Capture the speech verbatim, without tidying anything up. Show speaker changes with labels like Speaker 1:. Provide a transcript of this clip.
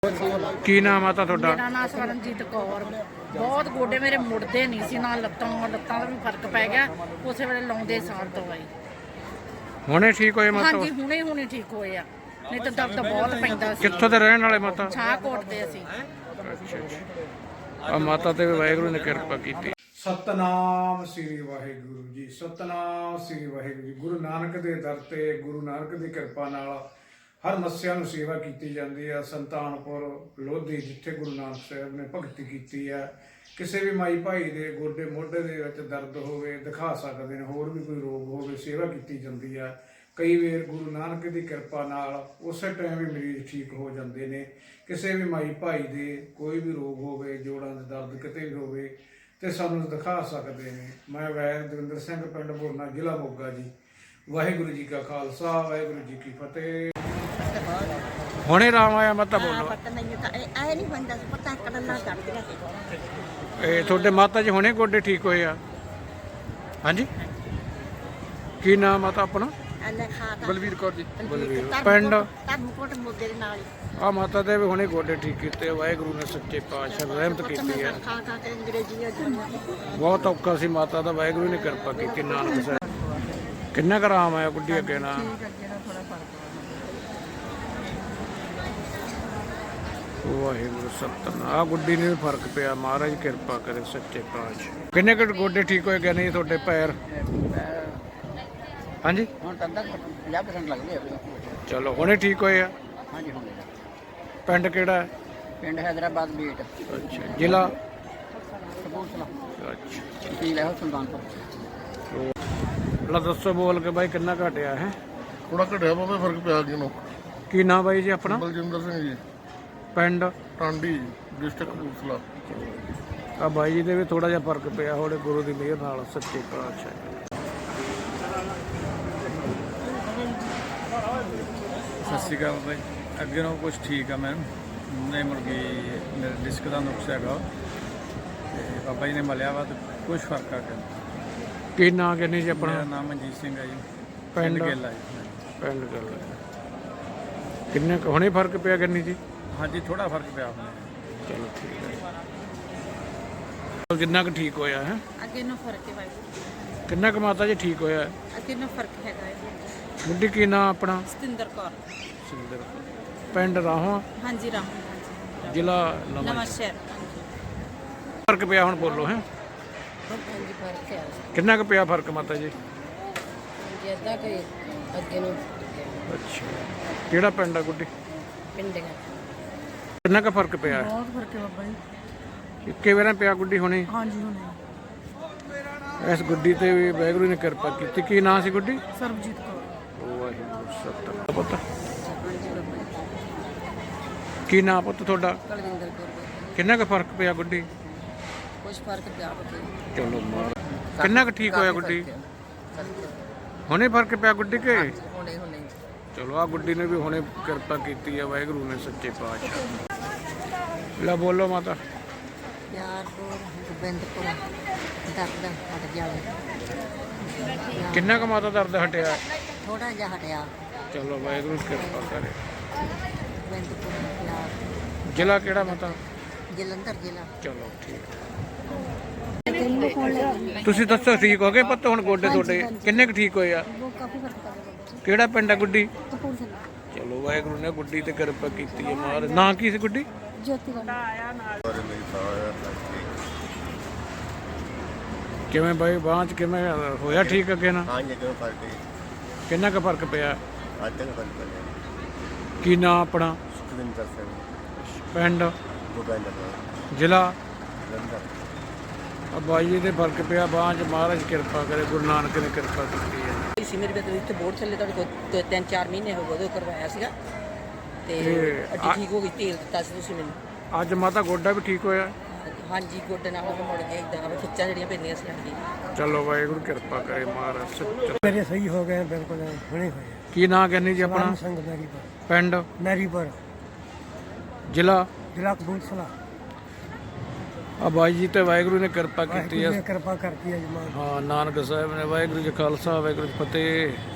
Speaker 1: ਕੀ ਨਾਮ ਆ ਤੁਹਾਡਾ?
Speaker 2: ਮੇਰਾ ਨਾਮ ਸਰਨਜੀਤ ਕੌਰ। ਬਹੁਤ ਗੋਡੇ ਮੇਰੇ ਮੁੜਦੇ ਨਹੀਂ ਸੀ, ਨਾਲ ਲੱਤਾਂ ਲੱਤਾਂ ਦਾ ਵੀ ਫਰਕ ਪੈ ਗਿਆ। ਉਸੇ ਵੇਲੇ ਲਾਉਂਦੇ ਸਾਰ ਦਵਾਈ।
Speaker 1: ਹੁਣੇ ਠੀਕ ਹੋਏ ਮਾਤਾ?
Speaker 2: ਹਾਂਜੀ ਹੁਣੇ ਹੁਣੇ ਠੀਕ ਹੋਏ ਆ, ਨਹੀਂ ਤਾਂ ਦਰਦ ਬਹੁਤ ਪੈਂਦਾ ਸੀ।
Speaker 1: ਕਿੱਥੋਂ ਦੇ ਰਹਿਣ ਵਾਲੇ ਮਾਤਾ?
Speaker 2: ਛਾਹਕੋਟ ਦੇ ਅਸੀਂ।
Speaker 1: ਅੱਛਾ ਅੱਛਾ। ਆ ਮਾਤਾ ਤੇ ਵਾਹਿਗੁਰੂ ਨੇ ਕਿਰਪਾ ਕੀਤੀ।
Speaker 3: ਸਤਨਾਮ ਸ੍ਰੀ ਵਾਹਿਗੁਰੂ ਜੀ, ਸਤਨਾਮ ਸ੍ਰੀ ਵਾਹਿਗੁਰੂ ਜੀ। ਗੁਰੂ ਨਾਨਕ ਦੇ ਦਰ ਤੇ ਗੁਰੂ ਨਾਨਕ ਦੀ ਕਿਰਪਾ ਨਾਲ ਹਰ ਮੱਸਿਆ ਨੂੰ ਸੇਵਾ ਕੀਤੀ ਜਾਂਦੀ ਹੈ। ਸੰਤਾਨਪੁਰ ਲੋਧੀ ਜਿੱਥੇ ਗੁਰੂ ਨਾਨਕ ਸਾਹਿਬ ਨੇ ਭਗਤੀ ਕੀਤੀ ਹੈ, ਕਿਸੇ ਵੀ ਮਾਈ ਭਾਈ ਦੇ ਗੋਡੇ ਮੋਢੇ ਦੇ ਵਿੱਚ ਦਰਦ ਹੋਵੇ ਦਿਖਾ ਸਕਦੇ ਨੇ, ਹੋਰ ਵੀ ਕੋਈ ਰੋਗ ਹੋਵੇ ਸੇਵਾ ਕੀਤੀ ਜਾਂਦੀ ਹੈ। ਕਈ ਵਾਰ ਗੁਰੂ ਨਾਨਕ ਦੀ ਕਿਰਪਾ ਨਾਲ ਉਸੇ ਟਾਈਮ ਹੀ ਮਰੀਜ਼ ਠੀਕ ਹੋ ਜਾਂਦੇ ਨੇ। ਕਿਸੇ ਵੀ ਮਾਈ ਭਾਈ ਦੇ ਕੋਈ ਵੀ ਰੋਗ ਹੋਵੇ, ਜੋੜਾਂ ਦੇ ਦਰਦ ਕਿਤੇ ਵੀ ਹੋਵੇ ਤੇ ਸਾਨੂੰ ਦਿਖਾ ਸਕਦੇ ਨੇ। ਮੈਂ ਵੈਦ ਦਵਿੰਦਰ ਸਿੰਘ, ਪਿੰਡ ਬੋਰਨਾ, ਜ਼ਿਲ੍ਹਾ ਮੋਗਾ ਜੀ। ਵਾਹਿਗੁਰੂ ਜੀ ਕਾ ਖਾਲਸਾ, ਵਾਹਿਗੁਰੂ ਜੀ ਕੀ ਫਤਿਹ।
Speaker 1: ਹੁਣੇ ਰਾਮ ਆਇਆ ਮਾਤਾ? ਬੋਲੋ।
Speaker 4: ਪਤਾ ਨਹੀਂ ਤਾਂ ਇਹ ਨਹੀਂ ਬੰਦਾ ਪਤਾ ਕੱਢਣਾ ਕਰਦੀਆਂ ਸੀ।
Speaker 1: ਇਹ ਤੁਹਾਡੇ ਮਾਤਾ ਜੀ ਹੁਣੇ ਗੋਡੇ ਠੀਕ ਹੋਏ ਆ? ਹਾਂਜੀ। ਕੀ ਨਾਮ ਮਾਤਾ ਆਪਣਾ?
Speaker 4: ਐਨੇ ਖਾਤਾ
Speaker 1: ਬਲਵੀਰ ਕੌਰ ਜੀ। ਬਲਵੀਰ
Speaker 4: ਪਿੰਡ
Speaker 1: ਪਿੰਡ
Speaker 4: ਧਰਮਕੋਟ ਮੁੱਦੇ ਦੇ ਨਾਲ ਹੀ
Speaker 1: ਆ ਮਾਤਾ ਦੇ ਵੀ ਹੁਣੇ ਗੋਡੇ ਠੀਕ ਕੀਤੇ। ਵਾਹਿਗੁਰੂ ਨੇ ਸੱਚੇ ਪਾਤਸ਼ਾਹ ਰਹਿਮਤ ਕੀਤੀ ਹੈ।
Speaker 4: ਖਾ ਖਾ ਕੇ ਅੰਗਰੇਜ਼ੀਆਂ ਜੁੜੀਆਂ।
Speaker 1: ਬਹੁਤ ਔਖਾ ਸੀ ਮਾਤਾ ਦਾ, ਵਾਹਿਗੁਰੂ ਨੇ ਕਿਰਪਾ ਕੀਤੀ। ਨਾਨਕ ਸਾਹਿਬ ਕਿੰਨਾ ਕੁ ਆਰਾਮ ਆਇਆ ਗੁੱਡੀ ਅੱਗੇ ਨਾ? ਵਾਹਿਗੁਰੂ ਸਤਨਾਮ। ਆ ਗੁੱਡੀ ਨੂੰ ਵੀ ਫਰਕ ਪਿਆ, ਮਹਾਰਾਜ ਕਿਰਪਾ ਕਰੇ ਸੱਚੇ ਪਾਤਸ਼ਾਹ। ਕਿੰਨੇ ਕੁ ਗੋਡੇ ਠੀਕ ਹੋਏ ਗਏ? ਨਹੀਂ ਤੁਹਾਡੇ ਪੈਰ? ਹਾਂਜੀ
Speaker 5: ਹੁਣ ਤਾਂ ਪੰਜਾਹ ਪਰਸੈਂਟ ਲੱਗਦੇ ਆ।
Speaker 1: ਚਲੋ ਹੁਣੇ ਠੀਕ ਹੋਏ ਆ?
Speaker 5: ਹਾਂਜੀ ਹੁਣ
Speaker 1: ਪਿੰਡ ਕਿਹੜਾ ਹੈ?
Speaker 5: ਪਿੰਡ ਹੈਦਰਾਬਾਦ ਬੀਟ,
Speaker 1: ਅੱਛਾ। ਜ਼ਿਲ੍ਹਾ?
Speaker 5: ਕਪੂਰਥਲਾ।
Speaker 1: ਅੱਛਾ।
Speaker 5: ਤਹਿਸੀਲ ਹੈ ਸੁਲਤਾਨਪੁਰ।
Speaker 1: ਲਾ ਦੱਸੋ ਬੋਲ ਕੇ ਬਾਈ ਕਿੰਨਾ ਘਟਿਆ ਹੈ?
Speaker 6: ਥੋੜਾ ਘਟਿਆ ਬਾਬੇ, ਫਰਕ ਪਿਆ ਅੱਗੇ ਨੂੰ।
Speaker 1: ਕੀ ਨਾਮ ਬਾਈ ਜੀ ਆਪਣਾ?
Speaker 6: ਬਲਜਿੰਦਰ ਸਿੰਘ ਜੀ,
Speaker 1: ਪਿੰਡ
Speaker 6: ਟਾਂਡੀ, ਡਿਸਟ੍ਰਿਕਟ ਕਪੂਰਥਲਾ।
Speaker 1: ਆ ਬਾਈ ਜੀ ਦੇ ਵੀ ਥੋੜਾ ਜਿਹਾ ਫਰਕ ਪਿਆ ਹੋੜੇ, ਗੁਰੂ ਦੀ ਮਿਹਰ ਨਾਲ ਸੱਚੇ ਪਾਤਸ਼ਾਹ।
Speaker 7: ਸਤਿ ਸ਼੍ਰੀ ਅਕਾਲ ਬਾਈ। ਅੱਗੇ ਨਾਲੋਂ ਕੁਛ ਠੀਕ ਆ ਮੈਂ, ਨਹੀਂ ਮੁਰਗੀ ਮੇਰੇ ਡਿਸਕ ਦਾ ਨੁਕਸ ਹੈਗਾ ਤੇ ਬਾਬਾ ਜੀ ਨੇ ਮਲਿਆ ਵਾ ਤੇ ਕੁਛ ਫਰਕ ਆ ਗਿਆ।
Speaker 1: ਕੀ ਨਾਂ ਕਹਿੰਦੇ ਜੀ ਆਪਣਾ?
Speaker 7: ਮੇਰਾ ਨਾਮ ਮਨਜੀਤ ਸਿੰਘ ਹੈ ਜੀ,
Speaker 1: ਪਿੰਡ
Speaker 7: ਪਿੰਡ ਗਿੱਲ ਆ ਜੀ।
Speaker 1: ਪਿੰਡ ਗੱਲ ਕਿੰਨੇ ਕੁ ਹੁਣੇ ਫਰਕ ਪਿਆ ਕਰਨੀ ਜੀ?
Speaker 7: ਹਾਂਜੀ ਥੋੜਾ ਫਰਕ ਪਿਆ ਆਪਣੇ।
Speaker 1: ਚਲੋ ਠੀਕ ਹੈ। ਕਿੰਨਾ ਕੁ ਠੀਕ ਹੋਇਆ ਹੈ?
Speaker 2: ਅੱਗੇ ਨੂੰ ਫਰਕ ਹੈ ਵਾਹਿਗੁਰੂ।
Speaker 1: ਕਿੰਨਾ ਕੁ ਮਾਤਾ ਜੀ ਠੀਕ ਹੋਇਆ?
Speaker 2: ਅੱਗੇ ਨੂੰ ਫਰਕ ਹੈਗਾ ਹੈ।
Speaker 1: ਗੁੱਡੀ ਕੀ ਨਾਂ ਆਪਣਾ?
Speaker 2: ਸਤਿੰਦਰ ਕੌਰ।
Speaker 1: ਸਿੰਦਰ। ਪਿੰਡ ਰਾਹੋਂ?
Speaker 2: ਹਾਂਜੀ ਰਾਮ। ਹਾਂਜੀ
Speaker 1: ਜ਼ਿਲ੍ਹਾ
Speaker 2: ਨਵਾਂ ਸ਼ਹਿਰ।
Speaker 1: ਫਰਕ ਪਿਆ ਹੁਣ ਬੋਲੋ ਹੈ?
Speaker 4: ਹਾਂਜੀ ਫਰਕ ਹੈ
Speaker 1: ਕਿੰਨਾ ਕੁ ਪਿਆ ਫਰਕ ਮਾਤਾ ਜੀ?
Speaker 4: ਜਿੱਦਾਂ ਕਿ ਅੱਗੇ ਨੂੰ
Speaker 1: ਅੱਛਾ। ਕਿਹੜਾ ਪਿੰਡ ਆ ਗੁੱਡੀ?
Speaker 4: ਪਿੰਡਾਂ
Speaker 1: ਕਿੰਨਾ ਕੁ ਫਰਕ ਪਿਆ?
Speaker 2: ਬਹੁਤ ਫਰਕ ਹੈ ਬਾਬਾ ਜੀ।
Speaker 1: ਇੱਕੇ ਵਾਰਾਂ ਪਿਆ ਗੁੱਡੀ ਹੁਣੇ?
Speaker 2: ਹਾਂਜੀ ਹੁਣੇ।
Speaker 1: ਇਸ ਗੁੱਡੀ ਤੇ ਵੀ ਵਾਹਿਗੁਰੂ ਨੇ ਕਿਰਪਾ ਕੀਤੀ। ਕੀ ਨਾਂ ਸੀ ਗੁੱਡੀ?
Speaker 2: ਸਰਬਜੀਤ ਕੌਰ।
Speaker 1: ਵਾਹਿਗੁਰੂ ਸਤਿ ਪੁੱਤ। ਕੀ ਨਾਂ ਪੁੱਤ ਤੁਹਾਡਾ?
Speaker 4: ਕੁਲਵਿੰਦਰ ਕੌਰ।
Speaker 1: ਕਿੰਨਾ ਕੁ ਫਰਕ ਪਿਆ ਗੁੱਡੀ?
Speaker 4: ਕੁਝ ਫਰਕ ਪਿਆ ਬਤੇ।
Speaker 1: ਚਲੋ ਮਾਰ। ਕਿੰਨਾ ਕੁ ਠੀਕ ਹੋਇਆ ਗੁੱਡੀ? ਹੁਣੇ ਫਰਕ ਪਿਆ ਗੁੱਡੀ ਕੇ?
Speaker 4: ਹੁਣੇ ਹੁਣੇ
Speaker 1: ਚਲੋ ਆ ਗੁੱਡੀ ਨੇ ਵੀ ਹੁਣੇ ਕਿਰਪਾ ਕੀਤੀ ਹੈ ਵਾਹਿਗੁਰੂ ਨੇ ਸੱਚੇ ਪਾਤਸ਼ਾਹ। ਲੈ ਬੋਲੋ ਮਾਤਾ।
Speaker 4: ਯਾਰਪੁਰ ਗੋਬਿੰਦਪੁਰ ਦਰਦ ਹਟ ਜਾਵੇ।
Speaker 1: ਕਿੰਨਾ ਕੁ ਮਾਤਾ ਦਰਦ ਹਟਿਆ?
Speaker 4: ਥੋੜਾ ਜਿਹਾ ਹਟਿਆ।
Speaker 1: ਚਲੋ ਵਾਹਿਗੁਰੂ ਕਿਰਪਾ ਕਰੇ।
Speaker 4: ਗੋਬਿੰਦਪੁਰ ਯਾਰ
Speaker 1: ਜ਼ਿਲ੍ਹਾ ਕਿਹੜਾ ਮਾਤਾ?
Speaker 4: ਜਲੰਧਰ ਜ਼ਿਲ੍ਹਾ।
Speaker 1: ਚਲੋ ਠੀਕ। ਤੁਸੀਂ ਦੱਸੋ ਠੀਕ ਹੋ ਗਏ ਪੁੱਤ ਹੁਣ ਗੋਡੇ ਤੁਹਾਡੇ? ਕਿੰਨੇ ਕੁ ਠੀਕ ਹੋਏ ਆ?
Speaker 4: ਉਹ ਕਾਫੀ ਫਰਕ ਪਿਆ।
Speaker 1: ਕਿਹੜਾ ਪਿੰਡ ਆ ਗੁੱਡੀ?
Speaker 4: ਕਪੂਰਥਲਾ।
Speaker 1: ਚਲੋ ਵਾਹਿਗੁਰੂ ਨੇ ਗੁੱਡੀ ਤੇ ਕਿਰਪਾ ਕੀਤੀ ਹੈ ਮਾਰ। ਨਾਂ ਕੀ ਸੀ ਗੁੱਡੀ?
Speaker 4: ਜੋਤੀ ਵਾਲਾ।
Speaker 1: ਕਿਵੇਂ ਬਾਈ ਬਾਂਹ ਚ ਕਿਵੇਂ ਹੋਇਆ ਠੀਕ ਅੱਗੇ ਨਾ?
Speaker 6: ਹਾਂਜੀ ਕਿਉਂ ਫਰਕ ਹੈ?
Speaker 1: ਕਿੰਨਾ ਕੁ ਫਰਕ ਪਿਆ?
Speaker 6: ਅੱਜ ਤੱਕ ਫਰਕ ਪਿਆ।
Speaker 1: ਕੀ ਨਾਂ ਆਪਣਾ?
Speaker 6: ਸੁਖਵਿੰਦਰ ਸਿੰਘ,
Speaker 1: ਪਿੰਡ?
Speaker 6: ਗੋਬਿੰਦਪੁਰ,
Speaker 1: ਜ਼ਿਲ੍ਹਾ?
Speaker 6: ਜਲੰਧਰ।
Speaker 1: ਆ ਬਾਈ ਜੀ ਦੇ ਫਰਕ ਪਿਆ ਬਾਂਹ ਚ, ਮਹਾਰਾਜ ਕਿਰਪਾ ਕਰੇ, ਗੁਰੂ ਨਾਨਕ ਨੇ ਕਿਰਪਾ ਕੀਤੀ ਹੈ।
Speaker 8: ਸੀ ਮੇਰੇ ਕੋਲ ਇੱਥੇ ਬੋਰਡ ਚੱਲੇ ਤੁਹਾਡੇ ਕੋਲ ਤਿੰਨ ਚਾਰ ਮਹੀਨੇ ਹੋ ਗਏ, ਉਦੋਂ ਕਰਵਾਇਆ ਸੀਗਾ ਤੇ
Speaker 1: ਤੇ
Speaker 8: ਅੱਡੀ ਠੀਕ ਹੋ ਗਈ। ਤੇਲ ਦਿੱਤਾ ਸੀ ਤੁਸੀਂ ਮੈਨੂੰ।
Speaker 1: ਅੱਜ ਮਾਤਾ ਗੋਡਾ ਵੀ ਠੀਕ ਹੋਇਆ?
Speaker 8: ਹਾਂਜੀ ਗੋਡੇ ਨਾਲ ਵੀ ਮੁੜ ਗਿਆ ਇਦਾਂ ਖਿੱਚਾਂ ਜਿਹੜੀਆਂ ਪੈਂਦੀਆਂ ਸੀ ਅੱਡੀ।
Speaker 1: ਚਲੋ ਵਾਹਿਗੁਰੂ ਕਿਰਪਾ ਕਰੇ ਮਹਾਰਾਜ ਸੱਚਾ।
Speaker 9: ਮੇਰੇ ਸਹੀ ਹੋ ਗਏ ਬਿਲਕੁਲ ਹੁਣੇ ਹੋਏ।
Speaker 1: ਕੀ ਨਾਂ ਕਹਿੰਦੇ ਜੀ ਆਪਣਾ?
Speaker 9: ਸਿੰਘ ਮੈਰੀਪੁਰ।
Speaker 1: ਪਿੰਡ?
Speaker 9: ਮੈਰੀਪੁਰ,
Speaker 1: ਜ਼ਿਲ੍ਹਾ?
Speaker 9: ਜ਼ਿਲ੍ਹਾ ਕਪੂਰਥਲਾ।
Speaker 1: ਆ ਬਾਈ ਜੀ ਤੇ ਵਾਹਿਗੁਰੂ ਨੇ ਕਿਰਪਾ ਕੀਤੀ
Speaker 9: ਵਾਹਿਗੁਰੂ
Speaker 1: ਹੈ।
Speaker 9: ਨੇ ਕਿਰਪਾ ਕਰਤੀ ਹੈ ਜਮਾਨ।
Speaker 1: ਹਾਂ ਨਾਨਕ ਸਾਹਿਬ ਨੇ। ਵਾਹਿਗੁਰੂ ਜੀ ਖਾਲਸਾ, ਵਾਹਿਗੁਰੂ ਜੀ ਫਤਿਹ।